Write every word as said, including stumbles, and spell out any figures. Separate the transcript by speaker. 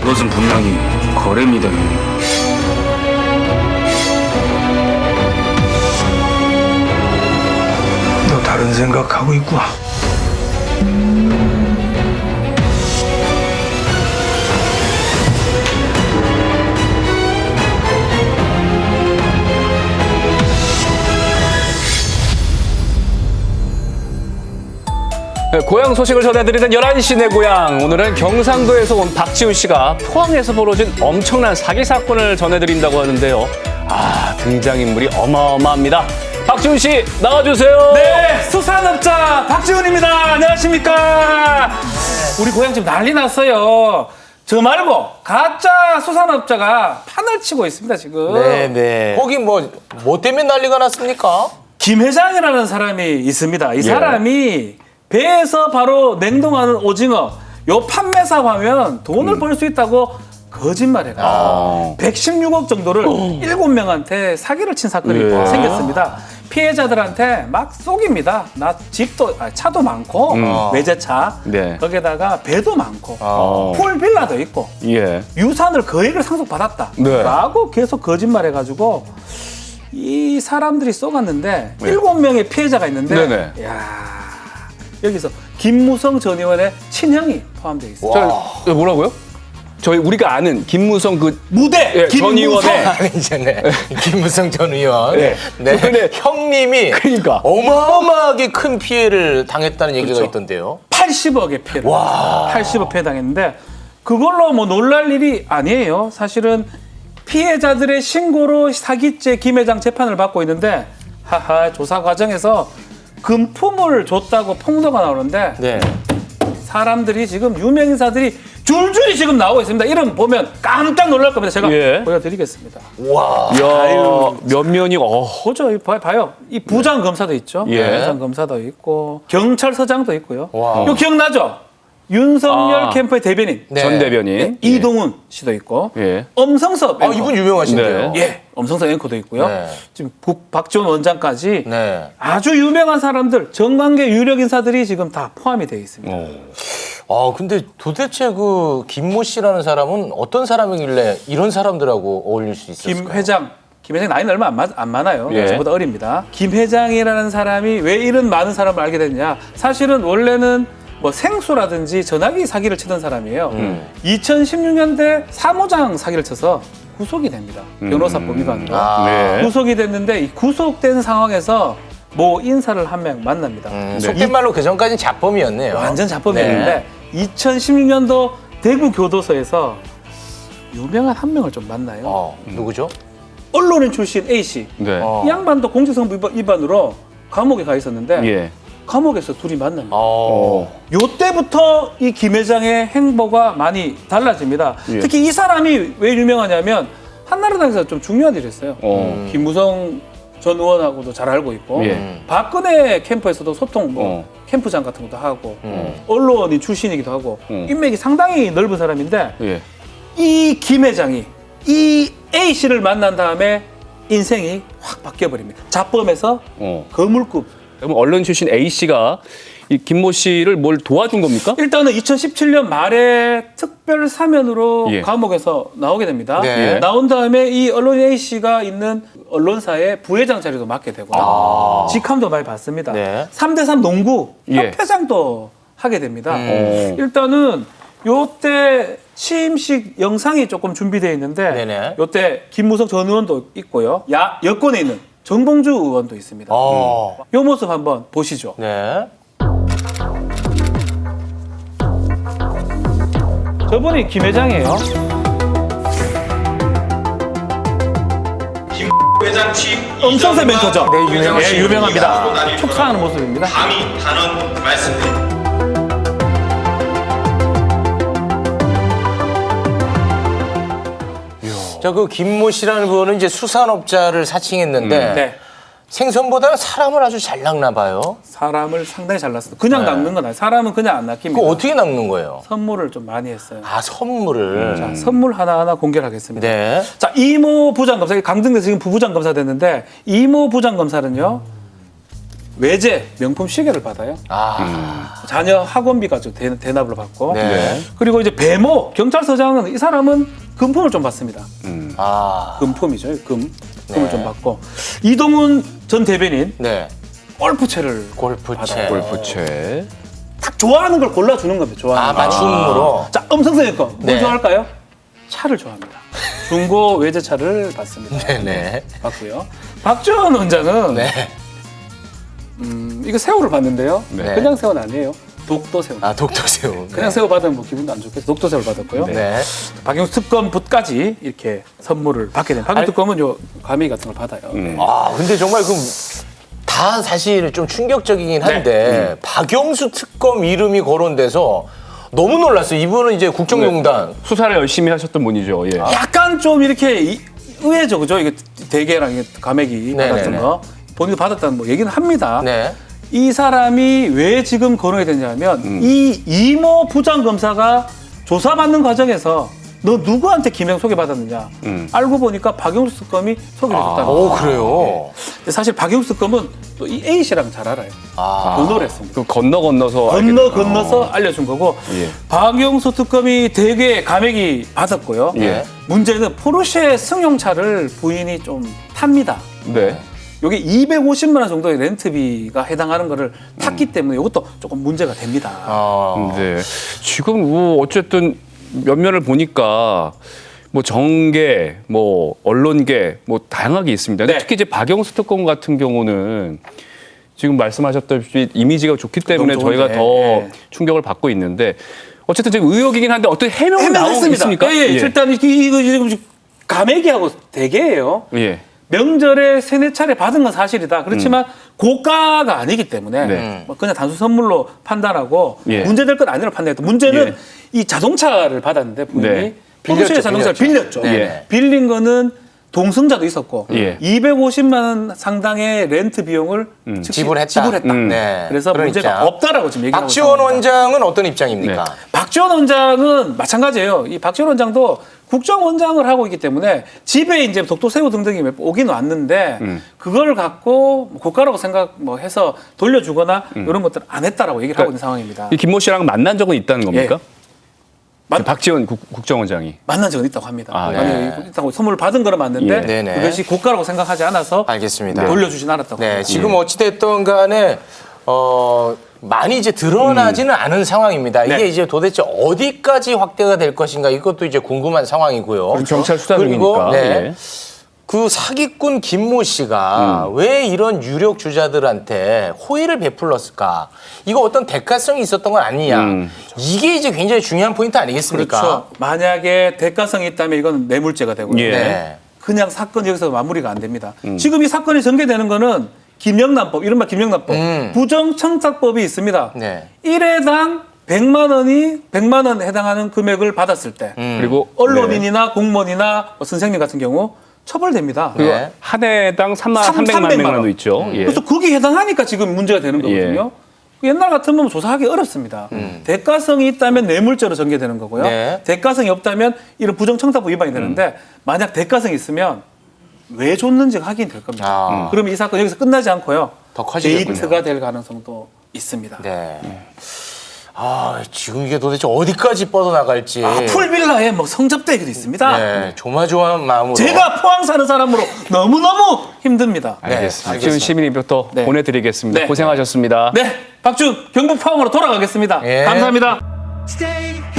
Speaker 1: 이것은 분명히 거래입니다.
Speaker 2: 너 다른 생각하고 있구나.
Speaker 3: 네, 고향 소식을 전해드리는 열한 시 내 고향. 오늘은 경상도에서 온 박지훈 씨가 포항에서 벌어진 엄청난 사기 사건을 전해드린다고 하는데요. 아, 등장인물이 어마어마합니다. 박지훈 씨, 나와주세요.
Speaker 4: 네, 수산업자 박지훈입니다. 안녕하십니까. 우리 고향 지금 난리 났어요. 저 말고 가짜 수산업자가 판을 치고 있습니다, 지금.
Speaker 5: 네네. 거기 뭐, 뭐 때문에 난리가 났습니까?
Speaker 4: 김 회장이라는 사람이 있습니다. 이
Speaker 3: 예.
Speaker 4: 사람이 배에서 바로 냉동하는 오징어, 요 판매사 하면 돈을
Speaker 3: 음.
Speaker 4: 벌 수 있다고 거짓말해가지고
Speaker 3: 아.
Speaker 4: 백십육억 정도를 일곱 명한테 사기를 친 사건이
Speaker 3: 예.
Speaker 4: 생겼습니다. 피해자들한테 막 속입니다. 나 집도, 아니, 차도 많고,
Speaker 3: 음.
Speaker 4: 외제차,
Speaker 3: 네.
Speaker 4: 거기에다가 배도 많고,
Speaker 3: 어.
Speaker 4: 풀빌라도 있고,
Speaker 3: 예.
Speaker 4: 유산을 거액을 상속받았다.
Speaker 3: 네.
Speaker 4: 라고 계속 거짓말해가지고 이 사람들이 쏘갔는데
Speaker 3: 네.
Speaker 4: 일곱 명의 피해자가 있는데
Speaker 3: 네네.
Speaker 4: 야 여기서 김무성 전 의원의 친형이 포함되어 있습니다.
Speaker 3: 저, 뭐라고요? 저희 우리가 아는 김무성 그
Speaker 4: 무대
Speaker 3: 예, 전
Speaker 4: 김무성
Speaker 3: 의원의
Speaker 5: 아니잖아요. 김무성 전 의원.
Speaker 3: 네.
Speaker 5: 네.
Speaker 3: 근데
Speaker 5: 형님이
Speaker 3: 그러니까.
Speaker 5: 어마어마하게 큰 피해를 당했다는 얘기가
Speaker 4: 그렇죠.
Speaker 5: 있던데요.
Speaker 4: 팔십억의 피해를 팔십억 피해 당했는데 그걸로 뭐 놀랄 일이 아니에요. 사실은 피해자들의 신고로 사기죄 김 회장 재판을 받고 있는데 하하 조사 과정에서 금품을 줬다고 폭로가 나오는데
Speaker 5: 네.
Speaker 4: 사람들이 지금 유명인사들이 줄줄이 지금 나오고 있습니다. 이름 보면 깜짝 놀랄 겁니다. 제가
Speaker 3: 예.
Speaker 4: 보여드리겠습니다.
Speaker 5: 와.
Speaker 3: 야, 몇 면이 어.
Speaker 4: 보죠, 이 봐요, 봐요. 이 부장 검사도 있죠.
Speaker 3: 예.
Speaker 4: 부장 검사도 있고 경찰서장도 있고요.
Speaker 5: 와.
Speaker 4: 이거 기억나죠? 윤석열
Speaker 3: 아.
Speaker 4: 캠프의 대변인
Speaker 5: 네.
Speaker 3: 전 대변인
Speaker 4: 예, 이동훈 씨도 있고
Speaker 3: 예.
Speaker 4: 엄성섭
Speaker 5: 아,
Speaker 4: 앵커.
Speaker 5: 이분 유명하신데요.
Speaker 3: 네.
Speaker 4: 예, 엄성섭 앵커도 있고요.
Speaker 5: 네.
Speaker 4: 지금 국 박지원 원장까지
Speaker 5: 네.
Speaker 4: 아주 유명한 사람들, 정관계 유력 인사들이 지금 다 포함이 되어 있습니다.
Speaker 3: 어.
Speaker 5: 아, 근데 도대체 그 김모 씨라는 사람은 어떤 사람이길래 이런 사람들하고 어울릴 수 있었을까요?
Speaker 4: 김 회장, 김 회장 나이는 얼마 안, 마- 안 많아요.
Speaker 3: 예.
Speaker 4: 저보다 어립니다. 김 회장이라는 사람이 왜 이런 많은 사람을 알게 됐냐? 사실은 원래는 뭐 생수라든지 전화기 사기를 치던 사람이에요.
Speaker 5: 음.
Speaker 4: 이천십육 년대 사무장 사기를 쳐서 구속이 됩니다. 변호사 범위관으로.
Speaker 5: 아.
Speaker 3: 네.
Speaker 4: 구속이 됐는데 이 구속된 상황에서 모 인사를 한 명 만납니다.
Speaker 5: 음,
Speaker 3: 네.
Speaker 5: 속된 말로 그 전까지는 자범이었네요.
Speaker 4: 완전 자범이었는데
Speaker 5: 네.
Speaker 4: 이천십육 년도 대구 교도소에서 유명한 한 명을 좀 만나요.
Speaker 5: 어, 누구죠?
Speaker 4: 언론인 출신 A 씨.
Speaker 3: 네.
Speaker 5: 어.
Speaker 4: 이 양반도 공직선거 위반- 위반으로 감옥에 가 있었는데
Speaker 3: 예.
Speaker 4: 감옥에서 둘이 만납니다.
Speaker 5: 어.
Speaker 4: 요때부터 이 김 회장의 행보가 많이 달라집니다.
Speaker 3: 예.
Speaker 4: 특히 이 사람이 왜 유명하냐면 한나라당에서 좀 중요한 일을 했어요.
Speaker 3: 어.
Speaker 4: 김무성 전 의원하고도 잘 알고 있고
Speaker 3: 예.
Speaker 4: 박근혜 캠프에서도 소통 뭐
Speaker 3: 어.
Speaker 4: 캠프장 같은 것도 하고
Speaker 5: 음.
Speaker 4: 언론인 출신이기도 하고
Speaker 3: 음.
Speaker 4: 인맥이 상당히 넓은 사람인데
Speaker 3: 예.
Speaker 4: 이 김 회장이 이 A 씨를 만난 다음에 인생이 확 바뀌어버립니다. 자범에서
Speaker 3: 어.
Speaker 4: 거물급.
Speaker 3: 그럼 언론 출신 A 씨가 이 김모 씨를 뭘 도와준 겁니까?
Speaker 4: 일단은 이천십칠 년 말에 특별 사면으로
Speaker 3: 예.
Speaker 4: 감옥에서 나오게 됩니다.
Speaker 5: 네.
Speaker 4: 나온 다음에 이 언론인 A 씨가 있는 언론사의 부회장 자리도 맡게 되고 직함도 많이 받습니다.
Speaker 5: 네.
Speaker 4: 삼 대 삼 농구
Speaker 3: 예.
Speaker 4: 협회장도 하게 됩니다.
Speaker 3: 어.
Speaker 4: 일단은 요때 취임식 영상이 조금 준비되어 있는데
Speaker 5: 네네.
Speaker 4: 요때 김무성 전 의원도 있고요. 야 여권에 있는 정봉주 의원도 있습니다.
Speaker 5: 어.
Speaker 4: 요 모습 한번 보시죠.
Speaker 5: 네.
Speaker 4: 저분이 김 회장이에요.
Speaker 6: 회장 취임
Speaker 4: 엄성세 멘토죠.
Speaker 5: 네, 유명하신
Speaker 4: 예, 유명합니다.
Speaker 6: 분입니다.
Speaker 4: 촉사하는 모습입니다.
Speaker 6: 감히 단언 말씀드립니다.
Speaker 5: 자, 그 김모 씨라는 분은 이제 수산업자를 사칭했는데
Speaker 4: 네.
Speaker 5: 생선보다는 사람을 아주 잘 낚나 봐요.
Speaker 4: 사람을 상당히 잘났어요. 그냥
Speaker 5: 네.
Speaker 4: 낚는 건 아니에요. 사람은 그냥 안 낚입니다.
Speaker 5: 그거 어떻게 낚는 거예요?
Speaker 4: 선물을 좀 많이 했어요.
Speaker 5: 아, 선물을.
Speaker 4: 자, 선물 하나하나 공개를 하겠습니다.
Speaker 5: 네.
Speaker 4: 자, 이모 부장검사, 강등돼서 지금 부부장검사 됐는데, 이모 부장검사는요, 외제 명품 시계를 받아요.
Speaker 5: 아,
Speaker 4: 자녀 학원비가 좀 대, 대납을 받고.
Speaker 5: 네.
Speaker 4: 그리고 이제 배모 경찰서장은 이 사람은 금품을 좀 받습니다.
Speaker 5: 아,
Speaker 4: 금품이죠. 금. 금을
Speaker 5: 네.
Speaker 4: 좀 받고. 이동훈 전 대변인
Speaker 5: 네.
Speaker 4: 골프채를
Speaker 5: 골프채.
Speaker 4: 받아요.
Speaker 3: 골프채.
Speaker 4: 딱 좋아하는 걸 골라주는 겁니다. 좋아하는
Speaker 5: 아,
Speaker 4: 거.
Speaker 5: 맞춤으로.
Speaker 4: 자, 음성적인 거. 뭘
Speaker 5: 네.
Speaker 4: 좋아할까요? 차를 좋아합니다. 중고 외제차를 받습니다.
Speaker 5: 네네.
Speaker 4: 받고요. 박지원 원장은
Speaker 5: 네.
Speaker 4: 음, 이거 새우를 받는데요.
Speaker 5: 네.
Speaker 4: 그냥 새우는 아니에요. 독도 새우.
Speaker 5: 아, 독도새우.
Speaker 4: 그냥 새우 받으면 뭐 기분도 안 좋겠어. 독도 새우를 받았고요.
Speaker 5: 네.
Speaker 4: 박영수 특검부까지 이렇게 선물을 받게 된. 박영수 특검은 요 과메기 같은 걸 받아요. 네.
Speaker 5: 아, 근데 정말 그럼 다 사실 좀 충격적이긴 한데 박영수 특검 이름이 거론돼서 너무 놀랐어요. 이분은 이제 국정농단.
Speaker 3: 수사를 열심히 하셨던 분이죠. 예.
Speaker 4: 약간 좀 이렇게 이- 의외죠, 그죠? 이게 대게랑 이게 과메기
Speaker 5: 네네네.
Speaker 4: 받았던 거 본인도 받았다는 뭐 얘기는 합니다.
Speaker 5: 네.
Speaker 4: 이 사람이 왜 지금 거론이 됐냐면
Speaker 5: 음.
Speaker 4: 이 이모 부장검사가 조사받는 과정에서 너 누구한테 김영 소개받았느냐
Speaker 3: 음.
Speaker 4: 알고 보니까 박영수 특검이 소개를 해줬다는 거예요.
Speaker 5: 오, 그래요?
Speaker 4: 근데 사실 박영수 특검은 또 이 A 씨랑 잘 알아요.
Speaker 5: 아.
Speaker 4: 번호를 했습니다.
Speaker 3: 그 건너 건너서 알게
Speaker 4: 건너
Speaker 3: 됐-
Speaker 4: 건너서
Speaker 3: 어.
Speaker 4: 알려준 거고
Speaker 3: 예.
Speaker 4: 박영수 특검이 대개 감액이 받았고요.
Speaker 3: 예.
Speaker 4: 문제는 포르쉐 승용차를 부인이 좀 탑니다.
Speaker 3: 네.
Speaker 4: 요게 이백오십만 원 정도의 렌트비가 해당하는 거를 탔기 때문에 이것도 조금 문제가 됩니다.
Speaker 5: 아.
Speaker 3: 네. 지금 뭐 어쨌든 면면을 보니까 뭐 정계, 뭐 언론계, 뭐 다양하게 있습니다. 근데
Speaker 4: 네.
Speaker 3: 특히 이제 박영수 특검 같은 경우는 지금 말씀하셨다시피 이미지가 좋기 때문에
Speaker 4: 너무
Speaker 3: 저희가
Speaker 4: 좋은데.
Speaker 3: 더
Speaker 4: 네.
Speaker 3: 충격을 받고 있는데 어쨌든 지금 의혹이긴 한데 어떻게 해명이 나오고
Speaker 4: 해명했습니다.
Speaker 3: 있습니까?
Speaker 4: 예, 예. 일단 이거 이거 지금 감액이하고 대개예요.
Speaker 3: 예.
Speaker 4: 명절에 세네 차례 받은 건 사실이다. 그렇지만 고가가 아니기 때문에
Speaker 3: 음. 네.
Speaker 4: 뭐 그냥 단순 선물로 판단하고
Speaker 3: 예.
Speaker 4: 문제될 건 아니라고 판단했다. 문제는
Speaker 3: 예.
Speaker 4: 이 자동차를 받았는데 부인이
Speaker 3: 네.
Speaker 4: 포르쉐
Speaker 5: 빌렸죠,
Speaker 4: 자동차를
Speaker 5: 빌렸죠.
Speaker 4: 빌렸죠.
Speaker 5: 네.
Speaker 4: 빌린 거는 동승자도 있었고
Speaker 3: 예.
Speaker 4: 이백오십만 원 상당의 렌트 비용을 즉시
Speaker 5: 지불했다.
Speaker 4: 지불했다.
Speaker 3: 음.
Speaker 5: 네.
Speaker 4: 그래서
Speaker 5: 그런
Speaker 4: 문제가
Speaker 5: 입장.
Speaker 4: 없다라고 지금 얘기하고
Speaker 5: 박지원
Speaker 4: 있습니다.
Speaker 5: 원장은 어떤 입장입니까?
Speaker 3: 네.
Speaker 4: 박지원 원장은 마찬가지예요. 이 박지원 원장도 국정원장을 하고 있기 때문에 집에 이제 독도새우 등등이 몇 번 오긴 왔는데
Speaker 3: 음.
Speaker 4: 그걸 갖고 고가라고 생각 뭐 해서 돌려주거나
Speaker 3: 음.
Speaker 4: 이런 것들 안 했다라고 얘기를 하고 있는 상황입니다.
Speaker 3: 이 김모 씨랑 만난 적은 있다는 겁니까?
Speaker 4: 예. 맞-
Speaker 3: 박지원 국, 국정원장이.
Speaker 4: 만난 적은 있다고 합니다.
Speaker 3: 아,
Speaker 4: 만약에
Speaker 5: 네.
Speaker 4: 있다고 선물을 받은 거는 맞는데
Speaker 3: 예.
Speaker 5: 네네.
Speaker 4: 그것이 고가라고 생각하지 않아서
Speaker 5: 알겠습니다.
Speaker 4: 돌려주진 않았다고
Speaker 5: 네,
Speaker 4: 합니다.
Speaker 5: 지금 어찌됐든 간에, 어, 많이 이제 드러나지는 않은 상황입니다. 이게
Speaker 4: 네.
Speaker 5: 이제 도대체 어디까지 확대가 될 것인가 이것도 이제 궁금한 상황이고요.
Speaker 3: 그럼 경찰 수사
Speaker 5: 그리고,
Speaker 3: 중이니까.
Speaker 5: 네.
Speaker 3: 예.
Speaker 5: 그 사기꾼 김모 씨가 왜 이런 유력 주자들한테 호의를 베풀었을까? 이거 어떤 대가성이 있었던 건 아니냐?
Speaker 3: 음.
Speaker 5: 이게 이제 굉장히 중요한 포인트 아니겠습니까?
Speaker 4: 그렇죠. 만약에 대가성이 있다면 이건 뇌물죄가 되고요.
Speaker 3: 예.
Speaker 5: 네.
Speaker 4: 그냥 사건 여기서 마무리가 안 됩니다.
Speaker 3: 음.
Speaker 4: 지금 이 사건이 전개되는 거는 김영란법, 이른바 김영란법,
Speaker 5: 음.
Speaker 4: 부정청탁법이 있습니다.
Speaker 5: 네.
Speaker 4: 일 회당 백만 원이 백만 원 해당하는 금액을 받았을 때
Speaker 5: 음.
Speaker 3: 그리고
Speaker 4: 언론인이나 공무원이나 뭐 선생님 같은 경우 처벌됩니다.
Speaker 5: 네.
Speaker 3: 네. 한 해당 삼만
Speaker 4: 삼-
Speaker 3: 삼백만
Speaker 4: 삼백만
Speaker 3: 명도
Speaker 4: 원.
Speaker 3: 있죠. 예.
Speaker 4: 그래서 거기에 해당하니까 지금 문제가 되는 거거든요. 옛날 같으면 조사하기 어렵습니다. 대가성이 있다면 뇌물죄로 전개되는 거고요.
Speaker 5: 네.
Speaker 4: 대가성이 없다면 이런 부정청탁법 위반이 되는데 만약 대가성이 있으면 왜 줬는지가 확인될 겁니다.
Speaker 5: 아.
Speaker 4: 그러면 이 사건 여기서 끝나지 않고요.
Speaker 5: 더 커지겠군요.
Speaker 4: 데이트가 될 가능성도 있습니다.
Speaker 5: 네. 아, 지금 이게 도대체 어디까지 뻗어나갈지.
Speaker 4: 아, 풀빌라에 뭐 성접대기도 있습니다.
Speaker 5: 네, 조마조마한 마음으로.
Speaker 4: 제가 포항 사는 사람으로 너무너무 힘듭니다.
Speaker 3: 알겠습니다.
Speaker 5: 네,
Speaker 3: 박지훈 시민님부터
Speaker 4: 네.
Speaker 3: 보내드리겠습니다.
Speaker 4: 네.
Speaker 3: 고생하셨습니다.
Speaker 4: 네, 박준 경북 포항으로 돌아가겠습니다.
Speaker 5: 예.
Speaker 4: 감사합니다.
Speaker 7: Stay